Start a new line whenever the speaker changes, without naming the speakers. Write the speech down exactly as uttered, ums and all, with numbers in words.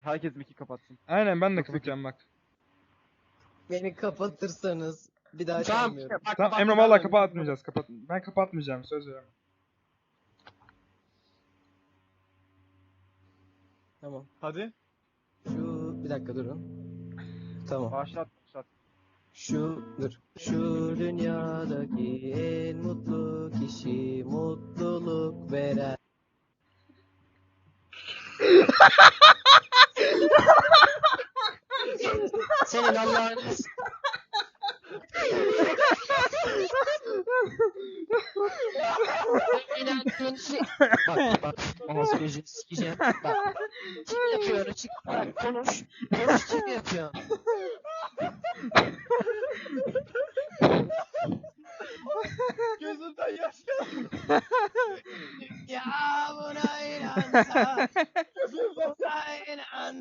Herkes miki kapatsın.
Aynen ben de
Yoksa-
kapatacağım bak.
Beni kapatırsanız bir daha
Tamam.
çalmıyorum.
Bak,
Tamam
kapattım
Emre
ben
valla
de.
kapatmayacağız. Kapat. Ben kapatmayacağım söz veriyorum.
Tamam.
Hadi.
Şu bir dakika durun. Tamam.
Başlat başlat.
Şu dur. Şu dünyadaki en mutlu kişi mutluluk veren. Senin Allah'ın İnandığın şey. Bak bak. Ağzı gözünü sikeceğim. Bak. Kim yapıyor onu çık. Bak konuş. Konuş kim yapıyor.
Gözümden yaş geldi.
Ya buna inansa.
Gözümden
Buna inan.